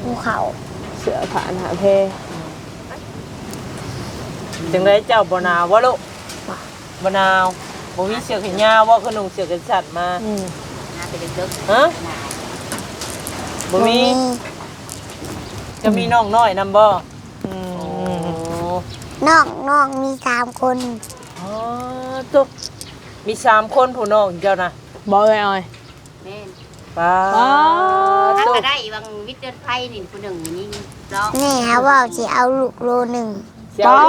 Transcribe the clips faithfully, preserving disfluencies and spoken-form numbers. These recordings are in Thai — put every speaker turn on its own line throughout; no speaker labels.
ภูเขา
เสือผ่านหาเพ
จังไดเจ้าบ่หนาวบ่ลูกบ่หนาวบ่มีเสื้อแขนยาวบ่ขนมเสื้อกันสั่นมา
อืม
หาไปดึก
ๆฮะบ่มีจะมีน้องน้อยนำบ่
อืม
น้องน้องมีสามคน
อ๋อตุ๊กมีสามคนผู้น้องเจ้าน่ะ
บ่เอ้ยอ้อย
แม่น
ป้า
ถ้าก็ได้บางวิทย์เดือนไพ่นี่ผู้หนึ่งนี่เนาะนี่ฮะว่าสิเอาลูกโลหนึ่ง
ป้า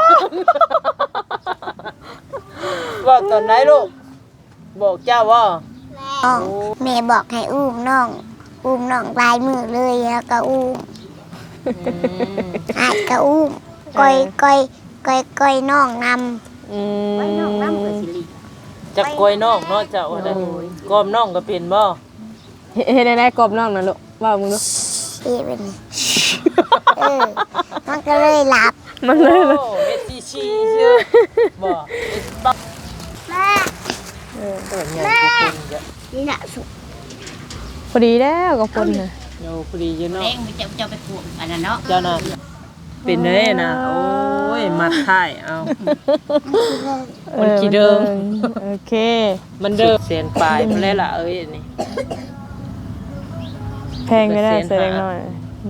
ว่าตอนไหนลูกบอกเจ้าว่า
แม่บอกให้อุ้มน้องอุ้มน้องลายมือเลยแล้วก็อุ้มอาจก็อุ้มก้อยก้อยก้อยก้อยน้องนำ
อืม
ก้อยน้องนำกับสิริ
จักก้อยน้องเนาะเจ้าได้ก้อมน้องก็เป็นบ่
เฮ็ดได้กบน้องน่ะลูกว่ามึงดู
เฮ็ดเป็นเออมันก็เลยหลับ
มันเลย
โอ้เฮ็ดซีซีซื่อบ่เฮ็ดบัก
แม่
เออตัวใหญ่กว่าคนจ้ะ
นี่น่ะสุ
พอดีแล้วกับคนน่ะ
โอ้พอดีอยู่เนาะ
เองจะจะไปกวงอันนั้นเนาะ
เจ้าน่ะเป็นเด้น่ะโอ้ยมัดท้ายเอามันขี้เดิม
โอเค
มันเดิมเสียนปลายพุ่นแล้วล่ะเอ้ยอันนี้
แพงไม่ได้เสียหน่อย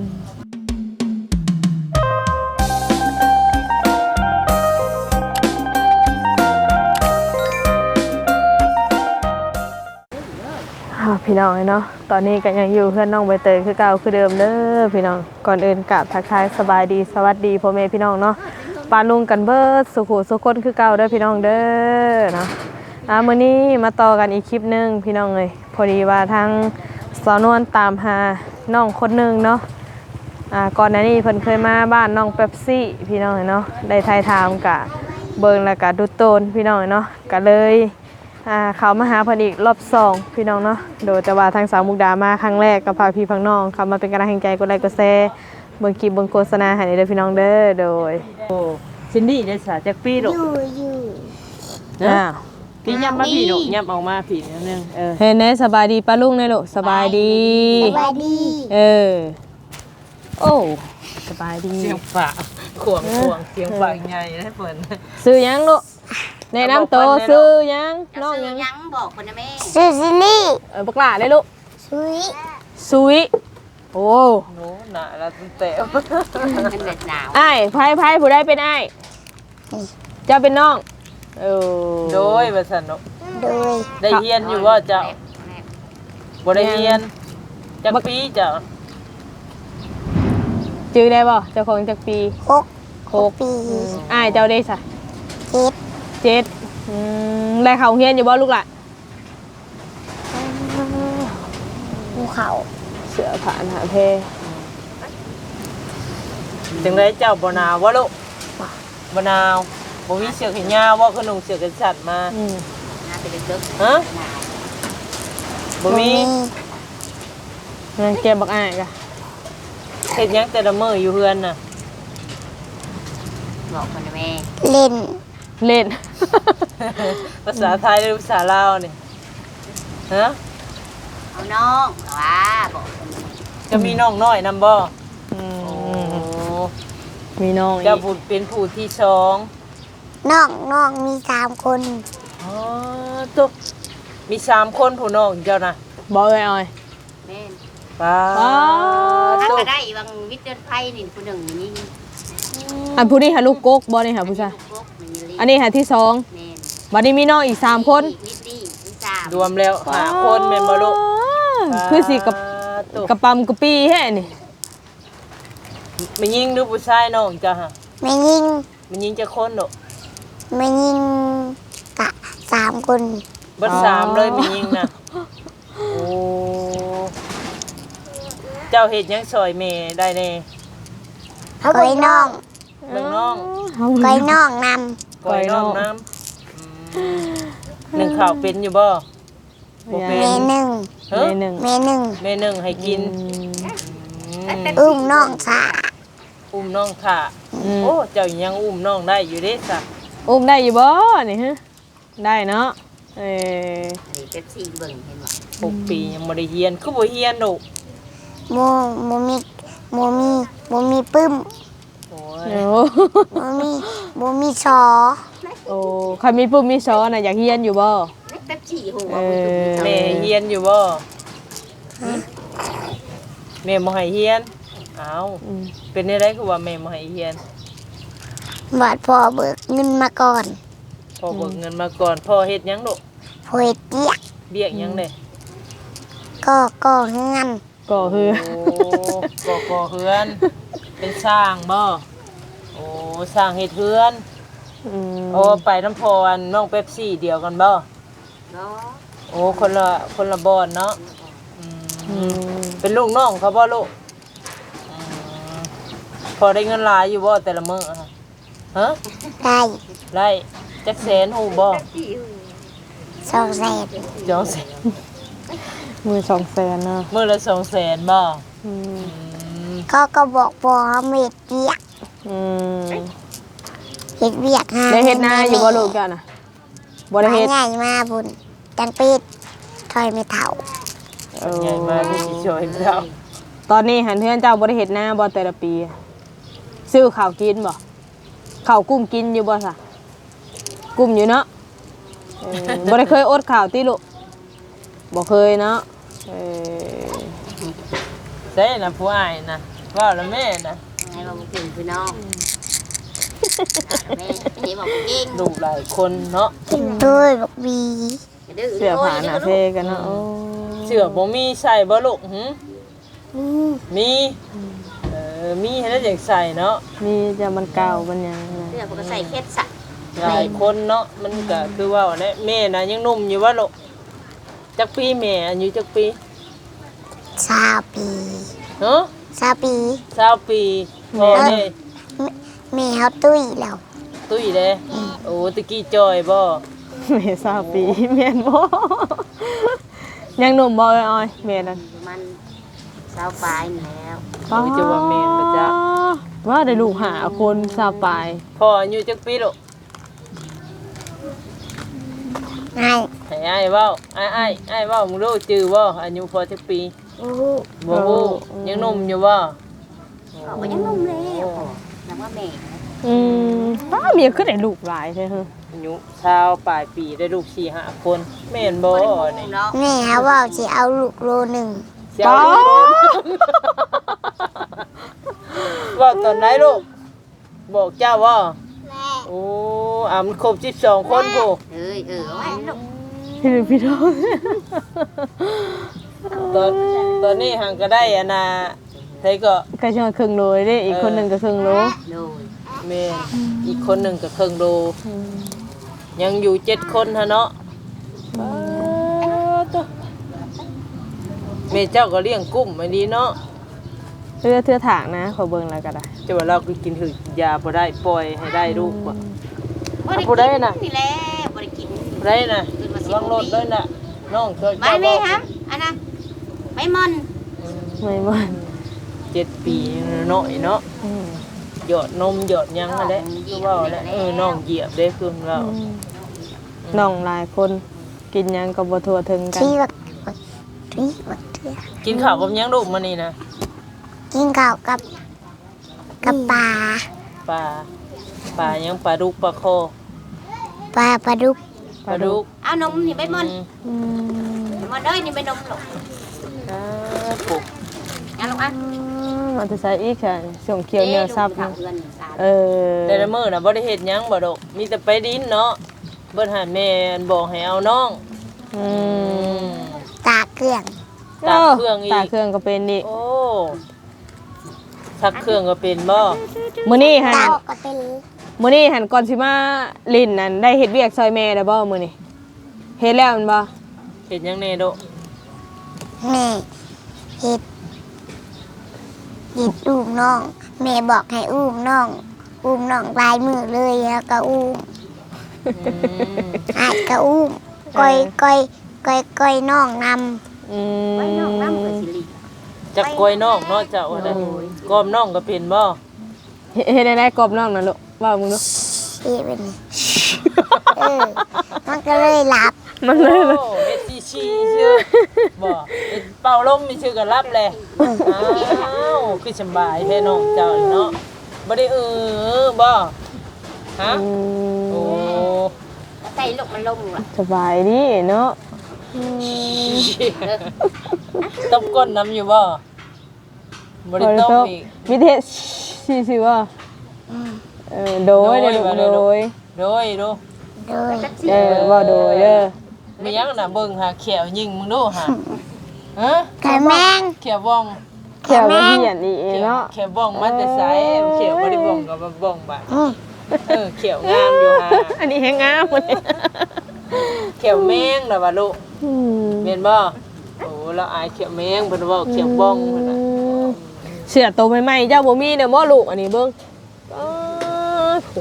พี่น้องเนาะตอนนี้ก็ยังอยู่เพื่อนน้องใบเตยคือเก่าคือเดิมเด้อพี่น้องก่อนอื่นกราบทักทายสบายดีสวัสดีพ่อแม่พี่น้องเนาะปาลุงกันเบิดสุขุสุขคนคือเก่าเด้อพี่น้องเด้อเนาะอ่ามื้อนี้มาต่อกันอีกคลิปนึงพี่น้องเลยพอดีว่าทางสาวนวลตามหาน้องคนนึงเนาะอ่าก่อนหน้านี้เพิ่นเคยมาบ้านน้องเป๊ปซี่พี่น้องเนาะได้ทายถามกะเบิ่งแล้วก็ดูโตนพี่น้องเนาะก็เลยอ่าเขามาหาเพิ่นอีกรอบสองพี่น้องเนาะโดยแต่ว่าทางสาวมุกดามาครั้งแรกกับพาพี่พังน้องเขามาเป็นกำลังใจกดไลค์กดแชร์เบิ่งคลิปเบิ่งโฆษณาให้เด้อพี่น้องเด้อโดย
โอ้ซินดี้ได้สาจักปีลูก
อยู่อยู่
อ้าว
พี่ยับมาพี่ลูกยับออกมาพี่นิดนึงเออ
เห็นไหมสบายดีป้าลุงเนี่ยลูกสบายดี
สบายดี
เออโอ้สบายดี
เสียงฝาขวงขวงเสียงฝาใหญ่นะเพิ่น
ซื้อยังลูกในน้ำโตซื้อยังน้องยัง
ยังบอกคนนะแม่ซื้อซิลี่
เออบักหล่าเลยลูก
ซุย
ซุยโอ้
โน้หนาละตั้งแต่
มันเด็ดหนาว
ไอ้ไพ่ไพ่ผู้ได้เป็นไอ้เจ้าเป็นน้องเออ
โดยว่าซั่นเนาะ
โดย
ได้เรียนอยู่ว่าเจ้าบ่ได้เรียนจักปีเจ้า
จื้อได้บ่เจ้าของจักปี
หก
หกปีไอ้เจ้าได้ซะ
เจ็ด
เจ็ดได้เขาเฮียนอยู่บ่ลูกหล่ะ
ภูเขา
เสือผ่านหาเพ
จังไดเจ้าบ่หนาวบ่ลูกบ่หนาวบ่มีเสื้อแขนยาวบ่ขนมเสื้อกันสั่นมา
อืม
หาไปดึก
ฮะบ่มี
งั้นเก็บบักอ้ายกะ
เฮ็ดหยังแต่ละมื้ออยู่เฮือนน่ะ
บอกคนนะแม่
เล่นเล่น
ภาษาไทยหรือภาษาลาวนี่ฮะ
เอาน้องว่าบอก
จะมีน้องน้อยนำบ่
อืมมีน้องอีก
จะพูดเป็นผู้ที่สอง
น้องน้องมีสามคน
อ๋อตุ๊กมีสามคนผู้น้องเจ้าน่ะ
บ่เอ้ยอ้อย
แม่น
ป้า
ถ้าก็ได้บางวิทย์เดือนไพ่นี่ผู้หนึ่งนี่
อันผู้นี้หาลูกกกบ่นี่หาผู้ชายอันนี้หาที่สองบัดนี้มีน้องอีกสามคน
รวมแล้วห้าคนแม่นบ่ลูก
คือสิกับกระปำกระปีแฮ่นี่
ไม่ยิงหรือผู้ชายน้องจ้ะฮะ
ไม่ยิง
ไม่ยิงจะคนดอก
ไม่ยิงกะสามคน
เบิดสามเลยไม่ยิงน่ะโอ้เจ้าเฮ็ดหยังซอยแม่ได้แน่
ก้อยน้อง
เรื่องน้อง
ก้อยน้องน
ำก้อยน้องน้ำหนึ่งข้าวเป็นอยู่บ่บ่เป็น
เมหนึ่ง
เมหนึ่ง
เมหนึ่ง
เมหนึ่งให้กิน
อุ้มน้องค่ะ
อุ้มน้องค่ะโอ้เจ้ายังอุ้มน้องได้อยู่เด้ซะ
อุ้มได้อยู่บ่นี่ฮะได้เนาะเออ
นี่เป็นสี่เบิ่งเห็นบ่
หกปียังบ่ได้เรียนคือบ่เรียนดอก
โมโมมีโมมีโมมีปึ้ม
โอ้ย
โอ้
โมมีโมมีชอ
โอ้ใครมีปุ่มมีช้อนน่ะอยากเฮียนอยู่บ่เออ
แม่เฮียนอยู่บ่แม่บ่ให้เฮียนอ้าว
อืม
เป็นได้คือว่าแม่บ่ให้เฮียน
บาดพ่อเบิกเงินมาก่อน
พ่อเบิกเงินมาก่อนพ่อเฮ็ดหยังลูก
พอเฮ็ดเกียก
เบี้ยหยังเด้
ก็ก็เงิน
ก็คือ
โอ้ก่อก่อเฮือน เป็นสร้างบ่โอ้สร้างเฮ็ดเฮือน
อืม
โอ้ไปน้ำพออันน้องเป๊ปซี่เดียวกันบ่โอ้คนละคนละบอนเนาะอืม
อืม
เป็นลูกน้องเขาบ่ลูกอืมพอได้เงินหลายอยู่บ่แต่ละมื้ออะฮะ
ได้
ได้จักแสนฮู้บ่
สองแสน
จองแสน
มือสองแสนนะ
มื้อละสองแสนบ่
อืม
อืม
เขาก็บอกพ่อเขาเฮ็ดเกียก
อืม
เฮ็ดเวียกหา
ได้เฮ็ดนาอยู่บ่ลูกจ้ะน่ะบ่ได้
มา
เฮ็ด
ใหญ่มาบุญจังปิดถอยไม่เท่า
เออ
ใหญ่มาที่สิช่วยเรา
ตอนนี้หันเฮือนเจ้าบ่ได้เฮ็ดนาบ่แต่ละปี ซื้อข้าวกินบ่ข้าวกุ้มกินอยู่บ่ซะกุ้มอยู่เนาะเออบ่ได้เคยอดข้าวติลูกบ่เคยเนาะเออ
ใช่น่ะผู้อ้ายน่ะว่าแล้วแม่น่ะ
ให้บอกเก่งพี่น้องแม่ให้บอกเก่ง
ลูกหลายคนเนาะ
กินด้วยบักบี
ดื้อ
เสื้อผ้าหน้าเท่กันเนาะโอ้
เสื้อบ่มีใส่บ่ลูกหึ
อืม
มีเออมีให้แล้วอยากใส่เนาะ
มีจะมันเก่ามันหยังนะ
เสื้อผมก็ใส่เคสสัก
หลายคนเนาะมันก็คือว่าแหละแม่น่ะยังหนุ่มอยู่ว่าลูกจักปีแม่อายุจักปี
สาวปี
เนาะ
สาวปี
สาวปีพ่อเด้
แม่เขาตุ้ยแล้ว
ตุ้ยเด้โอ้ตะกี้จอยบ่
แม่ทราบปีแม่นบ่ยังหนุ่มบ่เอ้ยอ้อยแม่นั่น
มันสาวปลายนี่แล้ว
โอ้ยจะว่าแม่นบ่จ๊ะ
ว่าได้ลูกหาคนสาวปลาย
พ่ออายุจักปีลูก
ไอ้
ให้อ้ายเว้าอ้ายอ้ายอ้ายเว้ามึงรู้จื้อบ่อายุพอจักปี
อู้
บ่ฮู้ยังหนุ่มอยู่บ่
เขาก็ยังนุ่มแล้วนับว่าแม่
อืมป้าเมียคือได้ลูกหลายใช่ฮะ
อายุชาวปลายปีได้ลูกสี่ห้าคนแม่นบ่นี่
เนาะ
แม่เขาว่าจะเอาลูกโลหนึ่ง
เสียวว่าตอนไหนลูกบอกเจ้าว่าโอ้อ่ะมันครบสิบสองคนผู้
เอ้ยเออไว้ลูก
พี่พี่น้อง
ตอนตอนนี้หังก็ได้อะนะไทก็
ก็จะมาครึ่งโลเลยเด้อีกคนหนึงก็ครึ่งโล
โดย
แม่นอีกคนหนึ่งก็ครึ่งโลยังอยู่เจ็ดคนฮะเนาะป๊าดตัวแม่เจ้าก็เลี้ยงกุ้มไม่ดีเนาะ
เรือเทือถางนะขอเบิ่งแล้วก็ได้
จะว่าเราก็กินถือยาบ่ได้ปล่อยให้ได้ลูกบ่
บ่ได้
ผู้ใดน่ะ
นี่แหละบ่ได้กิน
บ่ได้น่ะวางรถเลยน่ะน้องช่วย
ไม่
เจ้า
แม่
บ่
ฮะอันน่ะไม่มอน
ไม่บ่น
เจ็ดปีน้อยเนาะ
อืม
หยอดนมหยอดหยังนั่นแหละคือว่าแหละเออน้องเหยียบได้คือว่า
น้องหลายคนกินหยังก็บ่ทั่วถึงกัน
ที่บักบักที่บักเทือ
กินข้าวกับหยังลูกมื้อนี้นะ
กินข้าวกับกับปลา
ปลาปลาหยังปลาดุกปลาคอ
ปลาปลาดุก
ปลาดุก
เอานมนี่ไปมอน
อืม
มอนเอ้ยนี่ไปนมลูก
อ่าปุ๊บ
เอาลูกอ่ะ
มันจะใส่อีกค่ะส่งเขียวเหนียวซับ
นะ
นะ
เพื่อนสาว
เออ
แต่ละมื้อน่ะบ่ได้เฮ็ดหยังบ่ดอกมีแต่ไปดินเนาะเบิ่นหาแม่บอกให้เอาน้อง
อื
อื
ม
ม
ตากเครื่อง
ตากเครื่องอีก
ตากเครื่องก็เป็นอีก
โอ้ซักเครื่องก็เป็นบ่
มื้อนี้หั่น
ตากก็เป็น
มื้อนี้หั่นก่อนสิมาลิ้นนั่นได้เฮ็ดเวียกซอยแม่ได้บ่มื้อนี้เฮ็ดแล้วแมันบ่
เฮ็ดหยังแน่โดะ
แม่เห็ดเห็ดอุ้มน้อง แม่บอกให้อุ้มน้อง อุ้มน้องลายมือเลยแล้วก็อุ้ม
อืม
อาจก็อุ้มก้อยก้อยก้อยก้อยน้องน
อืม
ไว้น้องน้ำเกิดสิริ
จักกล้วยน้องเนาะเจ้าว่าได้กอมน้องก็เป็นบ่
เฮ็ดเฮ็ดได้ได้กรอบน้องนั่นลูกว่ามึงดู
ำที่เป็นเออมันก็เลยหลับ
มันเลย
โอ้เฮ็ดชีชีชื่อบ่เฮ็ดเป่าลมมีชื่อก็รับแหละอ้าวคือสำบายแท้น้องเจ้าเนาะบ่ได้เออบ่ฮะ
อืม
โอ้
ใส่ลูกมันลงอ่ะ
สบายดีเนาะ
ต้มก้นน้ำอยู่บ่บ่ได้ต้มอีก
มีเทศสิสิว่าเออโดยเด้อลูกโดย
โดยดู
โดย
เออว่าโดยเด้อ
มีหยังน่ะเบิ่งหาแขวยิงมึงดูหาฮะ
ไก่แมง
แขวบ้อง
แขวบ่เหียนอีเนาะ
แขวบ้องมาแต่ไสแขวบ่ได้บ้องก็บ่บ้องบาด
อืม
เออแขวงามอยู่หา
อันนี้แฮงงามเลย
แขวแมงน่ะว่าลูก
อืม
แม่นบ่โอ้เราอายแขวแมงเพิ่นเว้าแขวบ้องเพิ่นน่ะ
เสื้อตัวใหม่ๆเจ้าบ่มีเด้อบ่ลูกอันนี้เบิ่งอ้าวโห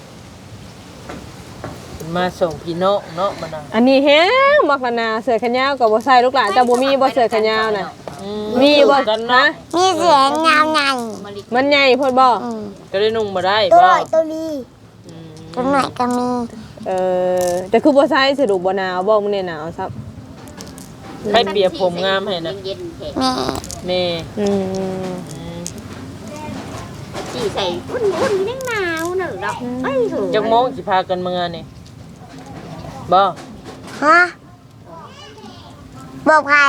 มาส่งพี่น้องเนาะมานะ
อันนี้แฮงมักละนาเสื้อแขนยาวก็บ่ใส่ลูกหลานเจ้าบ่มีบ่เสื้อแขนยาวน่ะ
อื
มีบ่
กัน
นะ
เนาะ
มีเสียงยาวใหญ่
มันใหญ่โพดบ่
อืม
ก็ได้นุ่งมาได้
ตัว
บ่
หน่อยตัวดี
อืม
ตัวหน่อยก็มี
เออแต่คือบ่ใส่สะดวกบ่หนาวบ่มื้อนี้หนาวซับ
ให้เปียผมงามให้นะ
เย็นๆแข็ง
แม่
แม่
อืม
อืม
จีใส่อุ่นๆนี่หนาวเนอะดอกเอ้ยถูก
จักโมงสิพากันเมื่อนี่บ่
ฮะบอกใคร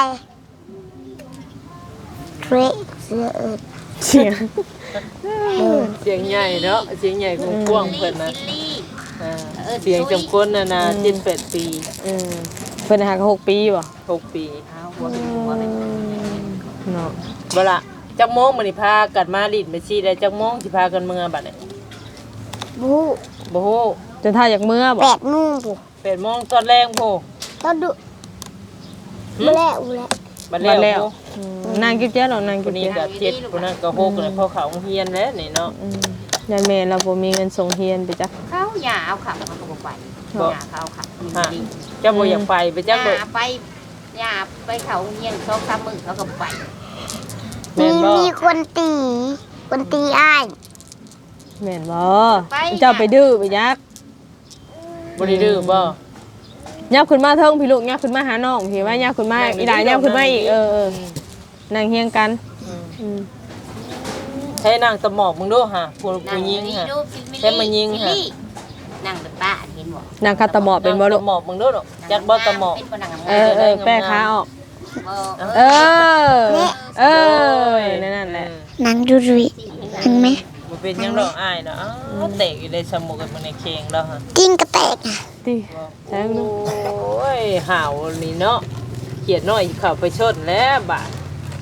เทรเสือเอิด
เสียง
เสียงใหญ่เนาะเสียงใหญ่กว้างๆเพิ่นนะ
ซิลลี่
อ่าเสียงจำคนน่ะนะเจ็ดแปดปี
อืมเพิ่นหาก็หกปีบ่
หกปี
เอาหัวเป็นหัวเป็น
เนาะ
บ่ล่ะจักโมงมื้อนี้พากันมาลิดไปซี่ได้จักโมงสิพากันเมื่อบัดนี้
บู
บ่ฮู้
จนถ้าอยากเมื่อบ่
แปดโมงปุ๊
แปดโมงตอนแรงโพ
ต้องดูบูแล้วอูแล้ว
บัด
มา
แล้
แล้ว
ว
อืมนางกิ๊บเจ้าเนาะนาง
ค
กิ๊
น
บ
นี้
เจ้า
ก็เจ็ดคนนั้นก็หกเลยพอเขาโรงเรียนแล้วนี่เนาะ
อืมยายแม่เราบ่มีเงินส่งเรียนไปจ้ะ
เขาอย่าเอาขับมันก็บอกไปอย่าเขาเอาขับ
ฮะเจ้าบ่อยากไปไป
อ
จักบ่
ย่าไปอย่าไปเขาเงียนสองสามมือเขาก็ไป
แม่
มี
นบ่
มีคนตีคนตีอ้าย
แม่นบ่เจ้าไปดื้อไปยัก
บ่ได้ดื้อบ่
ยับขึ้นมาเทิงพี่ลูกยับขึ้นมาหาน้องพี่ว่ายับขึ้นมา
นั่งอยู่
อีหลาย
นี่
ยับขึ้นมาอีก
นั่
เอง อ
อยู่
เออนั่งเฮียงกัน
อืม
อืม
ใช้นางตะหมอกมึงดูฮะผู้
นั่
ผู้
ง
หญิง
นี่
ฮะ
ดูฟิลมิ
แค่มายิง
ซิล
ค่ะ
ลี่นั่งเป็นป้าเห็นบ่
นางคาตะหมอบเป็นบ่ลูก
ตะหมอกมึงดูดอกจักบ่ตะหมอก
เป็นบ่นั่ง
เออเออแป้ขาออก
บ่
เออ เออนั่นแหละ
นางดูดุยเห็นไหม
บ่เป็นหยังดอกอ้ายนะอ้าวเตะอยู่ในสมุกกับมึงในเคงแล้วฮะ
จิ้งกระแตกอ่ะ
ติแทง
โอ
ดู
้ยห่าวนี่เนาะเขียดน้อยเข้าไปชนแล้วบาด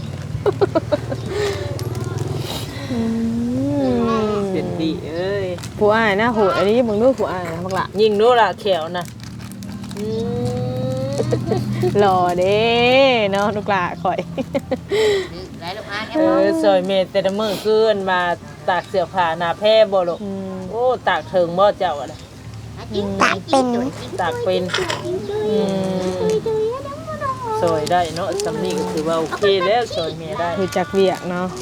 อืม
เป็นดีเอ้ย
ผู้อ้ายนะโหดอันนี้มึงดูผู้อ้ายนะบักละ
ยิงดูล่ะแขวนะอืม
หล่อเด้เนาะลูกหลาข่อย
หลายลูกอาแก
เออซอยเมตแต่ละมื้อคืนมาตากเสื้อผ้าหน้าแพร่บ่ลูก
อืม
โอ้ตากเถิงบ่เจ้าอะนะ
ตากเป็น
ตากเป็นอืมซอยได้เนาะสำนี้ก็ถือว่าโอเคแล้วซอยเมียได้
รู้จักเวียกเนาะ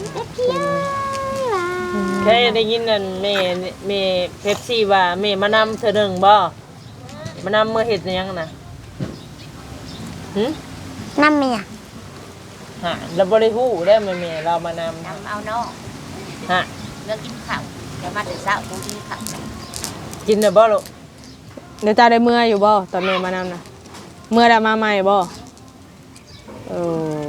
แค่ได้ยินนั่นแม่แม่เป๊ปซี่ว่าแม่มานำเธอหนึ่งบ่มานำเมื่อเฮ็ดหยังน่ะหึ
น้ำเมีย
ฮะเราบ่ได้ฮู้ได้แม่แม่เรามานำ
นำเอาน้อง
ฮะ
เลิกกินข้าวเดี๋ยวมาแต่เช้าต้องกินข้าว
กินได้บ่ลูก
เดี๋ยวจ้าได้เมื่ออยู่บ่ตอนแม่มานำนะเมื่อได้มาใหม่บ่โอ้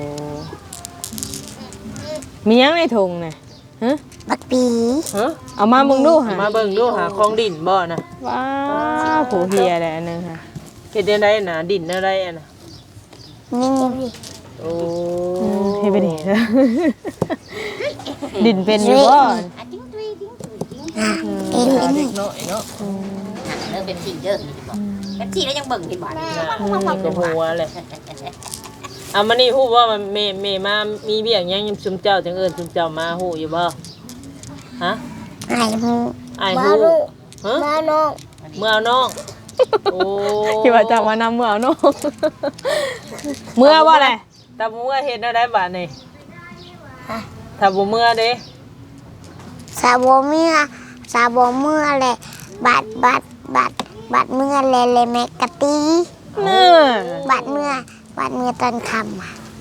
มีหยังในถุงน่ะฮะ
บักปี
ฮะ
เอามาเบิ่งดูหา
มาเบิ่งดูหาของดินบ่น่ะ
ว้าวโหเฮียได้อันหนึงค่ะ
เฮ็ดได้น่ะดินอะไรอ่ะน่ะ
นี่นี่
โอ้
อืมเฮ็ดไปดิ ดินเป็นอยู่บ่
อ่ะจิ้งจุยจิ้งจุยจิ้ง
อ่ะเอ็น
เด็
นี่
กน้อยเนาะ
อ่ะเลิกเป็นสี่เด้อนี่บอกเป็นสี่แล้วยังเบิ่งเห็นบ่
น่ะก็หัวเลยอ่ะมื้อนี้ฮู้ว่ามันแม่แม่มามีเบี้ยหยังยำซุมเจ้าจังเอิ้นซุมเจ้ามาฮู้อยู่บ่ฮะ
ไอ้หู
อ้ายฮู้ฮะ
มาน้อง
เมื่อเอาน้อง โอ้
คิดว่าจะมานำเมื่อเอาเนาะเมื่อบ่แหละ
ตาบ่เมื่อเฮ็ดแนวใดบาดนี่ถ้าบ่เมื่อเด้
สาบเมื่อสาบเมื่อเลยบาดบาดบาดบาดเมื่อเลยเลยแมกกะตี
เน่ะ
บาดเมื่อบาดเมื่อตอนค่ำอะ
โ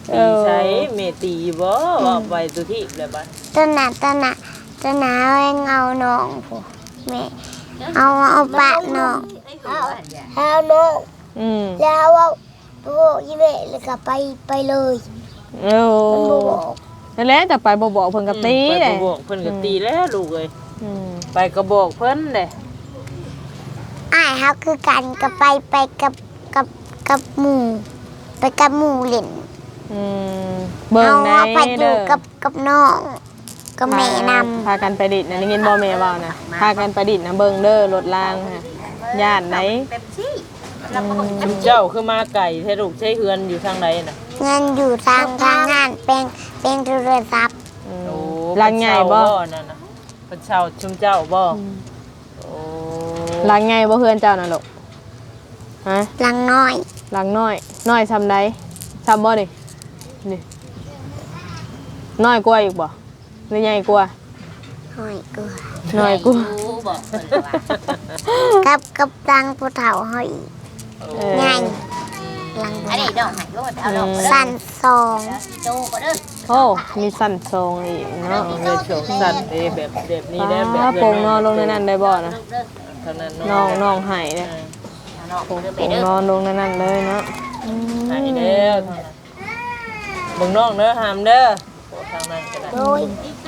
ตีใช้เมตีบ่ว่าไปตัวที่แบบว่า
ตอนน่ะตอนน่ะตอนน่ะเอาเงาน้องผู้แม่เอาเอาปะน้องเอาน้อง
อืม
แล้วเอาโอ้ยแม่แล้วก็ไปไปเลย
โอ้
มันบ่บอก
นั่นแหละจะไปบ่บอกเพิ่นก็ตี
ไป
แห
ก
ละ
ระบอกเพิ่นก็ตีแล้วลูกเอ้ย
อืม
ไปกระบอกเพิ่นเด้
อ้ายเฮาคือกันก็ไปไปกับกับกับหมู่ไปกับหมู่เล่น
อืมเบิ่ง
เอา
ใน
เอาไปอ
เด้
ยู่
อ
กับกับน้องกับแม่นำ
พากันไปดิดนะได้ยินบ่แม่เว้านะพากันไปดิดนะเบิ่งเด้อรถรางค่ะญาติไหน
เต็มที่
ชุมเจ้าคือมาไก่แท้ลูกใช้เฮือนอยู่ทางไหนน่ะ
เงินอยู่ทางทางงานเป็นเป็นโทรศัพท์
อืม
โอ้
รางใหญ่บ่
นั่นน่ะเพิ่นเช่าชุมเจ้าบ่โอ้
รางใหญ่บ่เฮือนเจ้าน่ะลูกฮะ
หลังน้อย
รางน้อยน้อยซำใดซำบ่นี่นี่น้อยกว่าอีกบ่หรือใหญ่กว่า
น้อยกว่า
น้อยกว่า
รู้บอกเพิ่นว่า
กับกับตังผู้เฒ่าเฮาอีก
เออ
ใหญ่หลัง
อันนี้ดอกหายโลดเอาดอกมาเด้อ
สั้นสอง
โตก็เด้อ
โอ้มีสั้นทรงอีกเนาะ
เงินโฉงสัตว์เด้แบบแบบนี้ได้แบบ
ป้าโป่งนอนลงในนั้นได้บ่นะ
เด้อ
เท่านั้น
น้องน้องไห้เนี่ย
เอาดอก
โป่
เด้อไป
ง
เด้อน
อนลงในนั้นเลยเนาะ
ไห้เด้อเท่านั้นเบิ่งน้องเด้อหามเด้อโอ้ทางนั้นก็ได้
โดย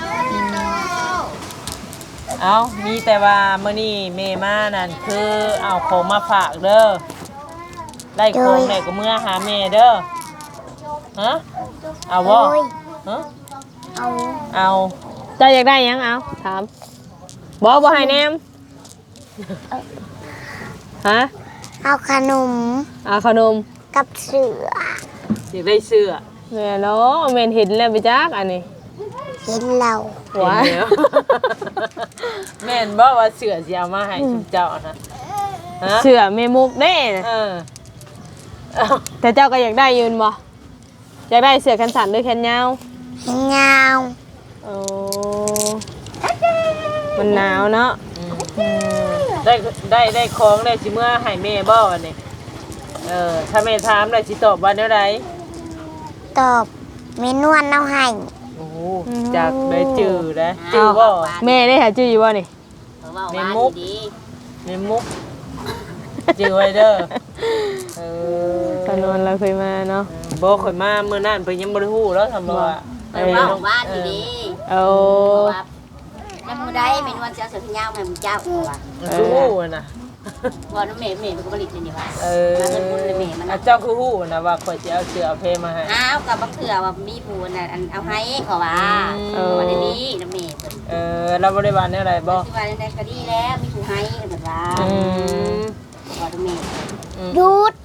เอามีแต่ว่ามื้อนี้แม่มานั่นคือเอาของมาฝากเด้อได้ของได้ก็เมื่อหาแม่เด้อฮะเอา
โด
บ่
ย
ฮะ
เอา
เอา
เจ้าอยากได้หยังเอาถามบ่บ่ให้แนมฮะ
เอาขนม
เอาขนม
กับเสือ
อยากได้เสื้อ
แม่เนาะแม่นเห็นแล้วไปจักอันนี้
เห็นเรา
ว้า
เห็นแล้ว แม่นบ่ว่าเสื้อสิเอามาให้ชุมเจ้านะฮะ
เสื้อแม่มุกเด้นะ
เออเอา
แต่เจ้าก็อยากได้ยืนบ่อยากได้เสื้อแขนสั้นหรือแขนยาว
เห็นยาว
โอ้มันหนาวเนาะ
อืมได้ได้ได้ของได้สิเมื่อให้แม่บ่อันนี้เออถ้าแม่ถามได้สิตอบว่าแนวใด
ตอบเมนวลเอาให้
โอ้โหจากได้จื้อนะจื้อบ่
แม่ได้หาจื้ออยู่บ่นี่
เขาว่าว่าดี
ในมุกจื้อไว้เด้อเออ
ตอนนอนเราเคยมาเนาะ
บ่ข่อยมามื้อนั้นเพิ่นยังบ่ได้ฮู้แล้วทำบ่ว่า
ๆเพิ่นว่าว่าดีดี
เอา
ว่าแล้วมื้อใดเป็นวันเจ้าเสือพญาวแม่มึงเจ้าว่า
คือฮู้อะนะ
ว่าน้องแม่แม่ก็ผลิตนี่ว่า
เออ
มาเงินบุญเลยแม่มัน
อ่ะเจ้าคือฮู้นะว่าข่อยสิเอาเสื้อเอาเพมาให้
อ้าวกับบักเถื่อว่ามีผู้น่ะอันเอาให้เขาว่า
เออ
ว่าได้ดีน้องแม่เพิ่น
เออเราบ่ได้ว่าแนวใดบ่
ที่ว่าได้ก็ดีแล้วมีผู้ให้เพิ่นว่า
อืม
ว่าน้องแม่
หยุด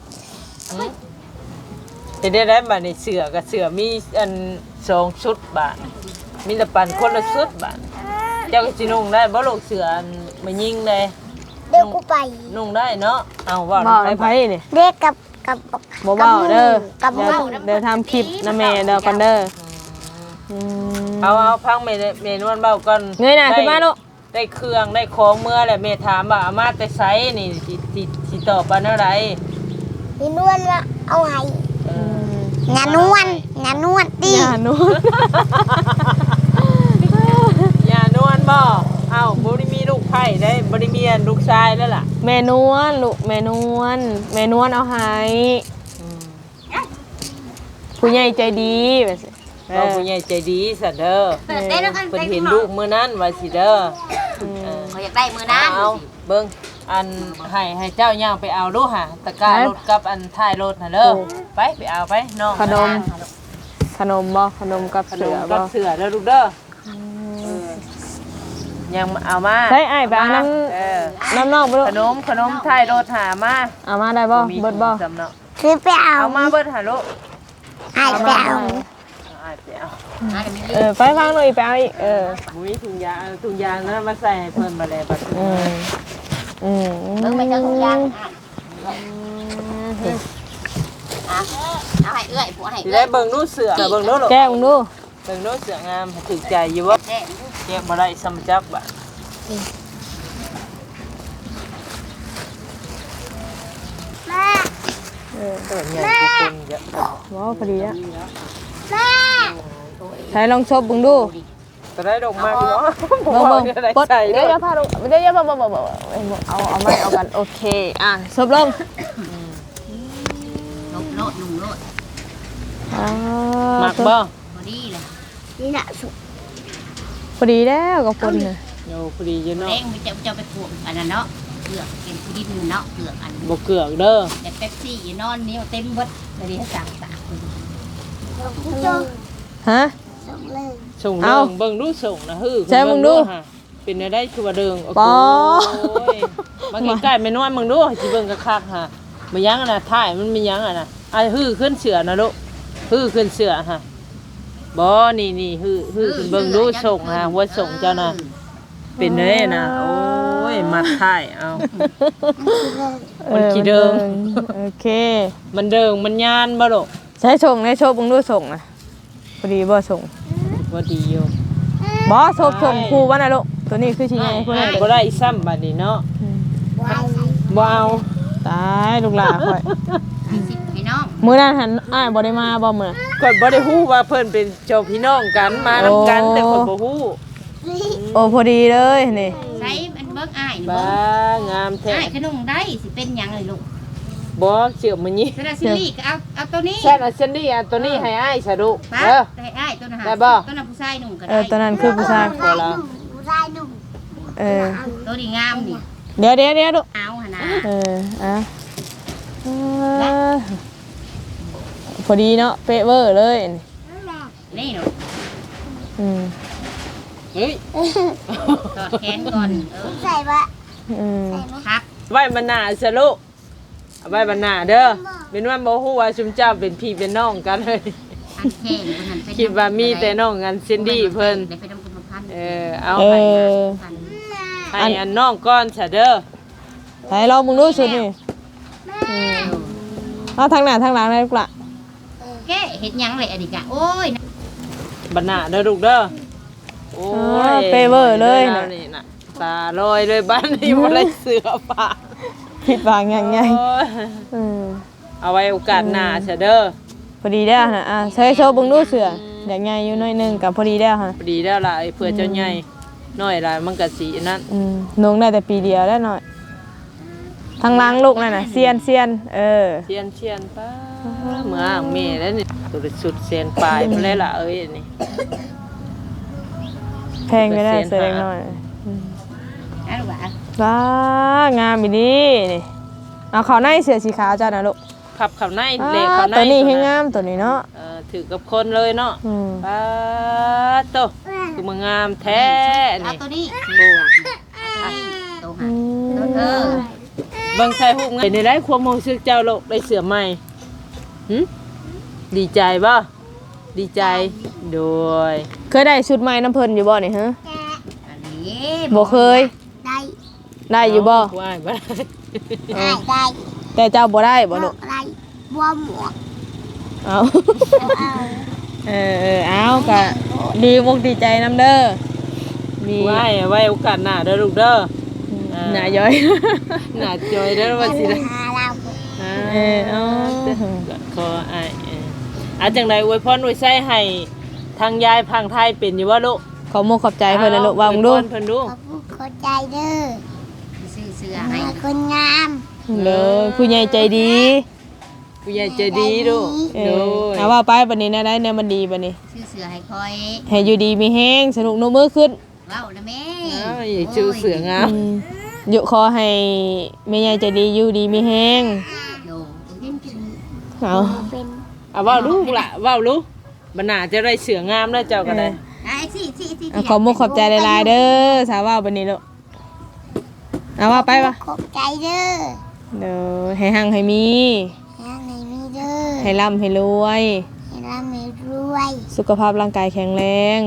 จะได้ได้บัดนี้เสื้อกับเสื้อมีอันสองชุดบาทมีแต่ปันคนละชุดบาทเจ้าก็สินุ่งได้บ่ลูกเสื้ออันมายิงเลย
เดี๋ยวกูไป
นุ่งได้เนาะเอาว่า
บ่
ไป
น้ำไผนี่
เด็กกับกับ
บ่เว้าเด้อ
กับห
เดี๋ยว
มู่
เดี๋ยวทำคลิปนะแม่เดี๋ยวก่อนเด้ออืม
เอาเอาพังเมนเมนวนเบาก่อน
เงยหน้าขึ้นมาลูก
ได้เครื่องได้ของเมื่อแหละเมถามว่าเอามาแต่ไสนี่สิสิสิตอบว่าแนวใด
เมนวลว่าเอาให้งานนวลงานนวลดี
อย่านู้น
อย่านวลบ่เอ้าบ่ได้มีลูกไผ่ได้บ่ได้มีอันลูกชายแล้วล่ะ
แม่นวลลูกแม่นวลแม่นวลเอาให้ผู้ใหญ่ใจดีแบบสิ
เราผู้ใหญ่ใจดีซะเด้อ
เปิดได้แล้วกัน
เพิ่นเห็นลูกมื้อนั้นว่าสิเด้อเออ
เขาอยากได้มื้อนั้น
เอาเบิ่งอันให้ให้เจ้าย่างไปเอาดูหะตะกร้ารถกับอันท้ายรถน่ะเด้อไปไปเอาไปน้อง
ขนมขนมบ่ขนมกับ
ขน
เสือ
ม
บ่
กับเสือเด้อลูกเด้ออยังเอามา
ใช่ไอ้ายไปเอาน้
เออ
ำน้ำนอกไปลูก
ขนมขนมท้ายรถหามา
เอามาได้บ่
มี
เบิดบ่
สำเนาะ
คือไปเอา
เอามาเบิดหาลูก
ให้ไปเอา
อาจจะเอา
เออไปฟังหน่อยไปเอาอีกเออ
บุ้ยถุงยางถุงยางนั้นมาใส่ให้เพิ่นมาเลยบัดนี้
อืมอืม
เบิ่งไปเจ้าทุกอย่างอ่ะเอาให้เอื้อยผัวให้
สิ
เอื้
ได้
อย
เบิ่งนู้เสือเบิ่งนู้ลูก
แก้มึงดู
เบิ่งนู้เสืองามถูกใจอยู่บ่
แจ้ง
เก็บบ่ได้สำจับบ่ะ
แม่
อเออ
เออใหญ่กว่าคนเยอะ
ว้าวพอดีอ่ะใช้ลองชบเบิ่งดู
จะได้ดอกไม้เนาะ
เบิ่งเบิ่ง
อะไร
ปด
ใส่
เดี๋ยวอย่าพาลงเดี๋ยวอย่าบ่บ่บ่บ่เอาเอาไม้เอากันโอเคอ่ะชบลง
ลบโลดหนุ่มโลด
อ่า
หมักบ่
พอดีเลย
นี่น่ะสุก
พอดีแล้วกับคนน่ะ
โยพอดีอยู่เนาะ
เร่งมันจะจะไปปลูกอันนั้นเนาะเกลือกเป็นที่ดินเนาะเกลือกอัน
บ่เกลือกเด้อ
แต่เป๊ปซี่อยู่นอนนี้เต็มเบิดเลยที่สั่งตาก
จง
ฮะ
ส่งเลย
ส่ง
เอา
เดิงเบิ่งดูส่งนะฮือ
ใช่มึงดู
ฮะเป็นได้ได้คือว่าเดิงโอ้
ปอ
ยมาใกล้ๆแม่น้อยมึงดูสิเบิ่งคักๆฮะบ่ยังอ่ะนะถ่ายมันมียังอ่ะนะอ่ะฮือขึ้นเสือนะลูกฮือขึ้นเสือฮะบ่นี่นี่ฮือฮือขึ้นเบิ่งดูส่งฮะหัวส่งเจ้าน่ะเป็นได้นะโอ้ยมัดถ่ายเอา มันขี้เดิง
โอเค
มันเดิงมันยานบ่ลูก
ใช้ส่งในโชบเบิ่งดูส่งนะพอดีบ่ส่ง
บ่ดีอยู่
บ่โชบส่งครูว่าน่ะลูกตัวนี้คือสิใหญ่พุ่นน่ะ
บ่ได้ซ้ำบัดนี้เนาะ
ไว้
บ่เอา
ตายลูกหลานข่อย
ให้สิให้น้อง
มื้อนั้นหันอ้ายบ่ได้มาบ่มื้อน่ะ
ก่อนบ่ได้ฮู้ว่าเพิ่นเป็นเจ้าพี่น้องกันมานํกัน
โอ้
แต่คนบ่ฮู้
โอ้พอดีเลยนี่
ใช้มันเบิกอ้ายนี่
บ้า
เบิก
งามแท้
อ้ายขนมได้สิเป็นหยังเลยลูก
บ่เชื่อมื้อนี้
เสร็จซิลี่ก็เอาเอาตัวนี้
แซ่นอันเซนดี้อันตัวนี้ให้อ้ายซะลูก
ป้า
เออ
ได้อ้ายตัวนั้นหา
ได้บ่
ตัวนั้นผู้ชายหนุ่มก็
เอ
ได้
อตอนนั้นคือผู้ชาย
พอแล้ว
ผู้ชายหนุ่ม
เออ
ตัวนี้งามนี่
เดี๋ยวเดี๋ยวเดี๋ยวลูก
เอาหนนะ
เอออ่ะเออพอดีเนาะเป๊ะเวอร์เลย
นี่หนู
อืม
เฮ้ย
ตอดแขนก่อนเออ
ใส่ปะ
อืม
ครับ
ไว้มันหน้าซะลูกเอาไว้มันหน้าเด้อเป็นว่าบ่ฮู้ว่าชุมเจ้าเป็นพี่เป็นน้องกันเลย
อันแข้งคนนั้นเป็น
คิดว่ามีแต่น้องกันเซนดี้เพิ่น
ได้ไปนำกุมภาพันธ์
เออเอา
เอ
ให้
อ
ให้อันน้องก่อนซะเด้อ
ให้เรามึงรู้สุดนี่อืมเอาทางหน้าทางหลังได้ลูกละ
แกเฮ็ดหยังเลยอันนี้กะโอ้ย
บัดหน้าเด้อลูกเด้อโอ้
อ่าย เป๊ะเวอร์เลยนะ
นี่น่ะตาลอยเลยบ้านนี้บ่ได้เสือผ้า
ผิดหวังอย่างไง
โอ้ย
อืม
เอาไว้โอกาสหน้าซะเด้อ
พอดีแล้วนะอ่ะใช้โชว์เบึงดูเสืออย่างไงอยู่หน้อยหนึงกับพอดีแล้วฮะ
พอดีแล้วล่ะไอ้เพื่อเจ้าใหญ่น้อยล่ะมันก็สีนั่น
อืมนงได้แต่ปีเดียวแล้วหน่อยทางหล้างลูกนั่นน่ะเซียนเซียนเออ
เชียนเชียนป้าเมื่ออ่างแม่แล้วนี่ตัวสุดเสียนปลายมันเลยล่ะเอ้ยนี่
แพงก็ได้เสือเล็กน้อย
นะลูกหลาน
ว้างามอีดีนี่เอาเขาในเสือสีขาวจ้านะลูก
ขับขับใน
อ่า
เละขับใน
ตัวนี้ให้งามตัวนี้เนาะ
เออถือกับคนเลยเนาะ
อืม
ป้าโตคือมันงามแท้
เอา
นี่
ตัวนี้
โอ้
ตัว
อื
หาตัวเธ
ม
อ
เบิ่งใส่หูไงในได้ความรู้สึกเจ้าโลกได้เสือใหม่หึดีใจบ่ดีใจโดย
เคยได้ชุดใหม่น้ำเพลินอยู่บ่นี่ฮะ
อันนี้
บ่เคย
ได้
ได้อยู่บ่
ว่ายบ่ได้
ได้ได้
แต่เจ้าบ่ได้บ่ลูก
ได้บัวหมวก
เอา
เอา
เออเออเอากะดีมุกดีใจน้ำเด้อมี
ไหว้ไหว้โอกาสหน้าเด้อลูกเด้อ
หน่าย้อย
หน้าจอยเด้อว่าสิได้
หาเรา
อ่า
เออเอา
ขออ้ายเอออาจังไดอวยพรอวยไส้ให้ทางยายพังไทยเป็นอยู่บ่ลูก
ขอมุกขอบใจเพิ่นนะลูกว่ามึงดู
อวยพรเพิ่นดู
ขอบคุณเข้าใจเด้อ
ซื้อเสื้อ
มา
ให้
คนงาม
เลยผู้ใหญ่ใจดี
ผู้ใหญ่ใจดีดู
เอ
โด
อย เอาว่าไปบัดนี้นะได้แนวมันดีบัดนี้
ซื้อเสื้อให้คอย
ให้อยู่ดีมีแห้งสนุกโนมือขึ้น
เว้านะแม่
อ้าวอย่าชื่อเสืองาม
อืมอยู่ขอให้แม่ใหญ่ใจดีอยู่ดีมีแห้ง
โดเล่นกิน
เอา
เป็น
เอาเว้าลูกล่ะเว้าลูกบ่น่าจะได้เสืองามแล้วเจ้าก็ได้
ไอ้สิสิสิ
เอาขอมุกขอบใจหลายๆเด้อสาวว่าบัดนี้ลูกเอาว่าไปปะ
ขอบใจเด้อ
เด้อให้หังให้มี
ยังไงมีเด้อ
ให้ร่ำให้รวย
ให้ร่ำให้รวย
สุขภาพร่างกายแข็งแรง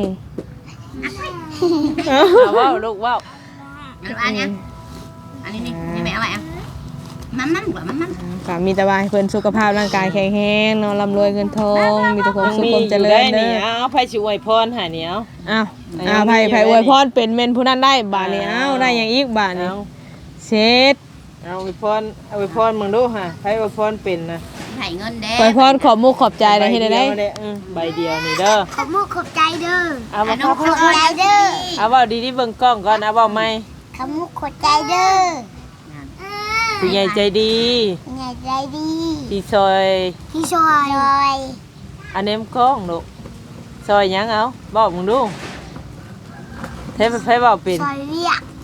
เอาเว้าลูกเว้า
อันนี้อันนี้นี่นี่แม่เอาไว้อ่ะมันมันกว่ามันมัน
ก็มีแต่ว่าให้เพิ่นสุขภาพร่างกายแข็งแรงเนาะร่ำรวยเงินทองมีแต่ความ
ยัง
สุข
มี
ความ
อ
เจ
ยู่
ริ
ได้
ญเด้
นี่
อ
เอาไผสิอวยพรให้นี่เอา
อ้าว
ยัง
อ้าว
มี
ไผ
อยู่
ไผ
ได้
อวย
นี่
พรเป็นเม่นผู้นั้นได้บาดนี้
เอา
อ้าวได้หยังอีกบาดนี้
เอา
เช็ด
เอาอวยพรเอาอวยพรมึงดูฮะไผอวยพรเป็นนะ
ให้เงินเด้
ขอพรขอบมุกขอบใจได้เฮ็ดได้
ใบเดียวเนี่ยอืมใบเดียวนี่เด้อ
ขอบมุกขอบใจเด้อ
เอา
อั
มาน
น้อง
ขอบใจเด้อ
เอาเว้าดีๆเบิ่งกล้องก่อนเอาเว้าใหม่
ขอบมุกขอบใจเด้อ
ผู้ใหญ่ใจดี
ใหญ่ใจดี
ที่ซอย
พี่ชอยชอย
อันนี้มันกล้องลูกซอยหยังเอาบอกมึงดูเทปไผเว้าเป็น
ชอยเรียก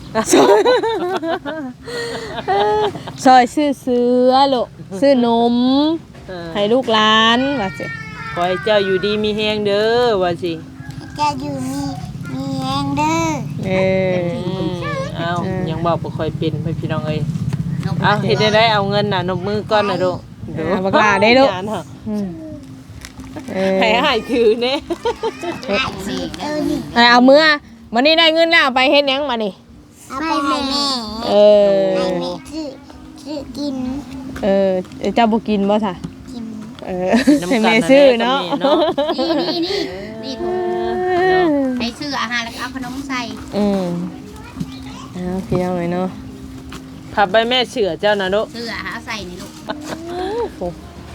ซอยซื้อเสือลูกซื้อนม
เออ
ให้ลูกหลานว่าสิ
ขอให้เจ้าอยู่ดีมีแฮงเด้อว่าสิ
แกอยู่มีมีแหงเด้อ
เออ
อืมเอายังบอกบ่ค่อยเป็นพี่น้องเอ้ย
นก
เอาเฮ็ดได้ได้เอาเงินน่ะนบมือก่อนน่ะลูก
อ่าบักหลาได้ลูก
งานเหรอ
อืมเออ
ให้หายถือเน่
นี่
เออนี่
เอาเอามือวันนี้ได้เงินแล้วเอาไปเฮ็ดหยังมานี่
เอาไปให้แม่
เออ
ให้แม่ซื้อซื้อกิน
เออเจ้าบ่กินบ่ซะ
กิน
เออให้แม่ซื้อเนาะ
นี่นี่นี่นี่ถุงให้ซื้ออาหารแล้วก็เอาขนมใส่
อืมเอาพี่เอาเลยเนาะ
พับใบแม่เชื่อเจ้านะลูก
ซื้ออาหารใส่นี่ลูก
โอเค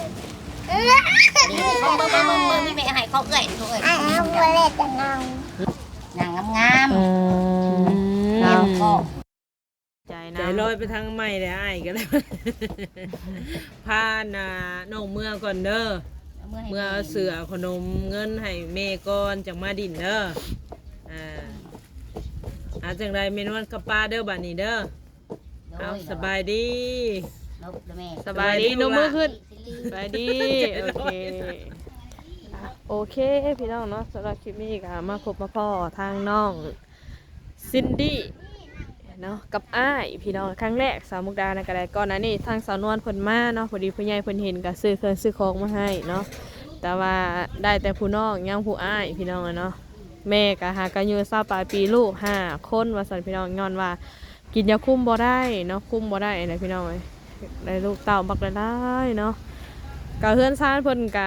นี่มึงมึงมึงมึงไม่ไปให้เขาเอื่อยเขาเอื่อย
อ่ะเอาบัวเล็ดจะเงา
นางงาม
อืม
ๆ
เอา
ก็
ใจลอยไปทางใหม่เลยไอ้กันเลยพาน่ะน้องเมื่อก่อนเด้อเมื่อเอาเสือขนมเงินให้แม่ก่อนจังมาดินเด้ออ่าอาจังไรเมนวันกับป้าเด้อบัดนี้เด้อเอาสบายดี
นกแม่
สบายดี
นมมือขึ้น
สบายดี
โอเคโอเคพี่น้องเนาะสำหรับคลิปนี้ก็มาพบมาพ่อทางน้องซินดี้เนาะกับอ้ายพี่น้องครั้งแรกสาวมุกดานะก็ได้ก่อนหน้านี้ทางสาวนวลเพิ่นมาเนาะพอดีผู้ใหญ่เพิ่นเห็นก็ซื้อเครื่องซื้อของมาให้เนาะแต่ว่าได้แต่ผู้น้องยังผู้อ้ายพี่น้องอะเนาะแม่ก็หากันอยู่เศร้าปลายปีลูกห้าคนว่าสั่นพี่น้องย้อนว่ากินยาคุมบ่ได้เนาะคุมบ่ได้นะพี่น้องเอ้ยได้ลูกเต่าบักได้เนาะกะเฮือนซ่านเพิ่นกะ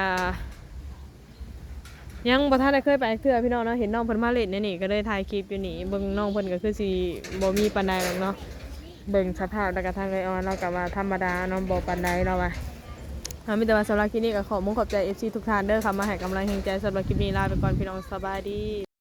ยังบ่ทันได้เคยไปเทื่อพี่น้องเนาะเห็นน้องเพิ่นมาเล่นในนี่ก็เลยถ่ายคลิปอยู่นี่เบิ่งน้องเพิ่นก็คือสิบ่มีปานใดหรอกเนาะเบิ่งสภาพแล้วก็ทางไอออนเราก็ว่าธรรมดาเนาะบ่ปานใดเนาะว่าถ้ามีแต่ว่าสำหรับคลิปนี้ก็ขอมุขขอบใจ เอฟ ซี ทุกท่านเด้อค่ะมาให้กำลังใจสำหรับคลิปนี้ลาไปก่อนพี่น้องสบายดี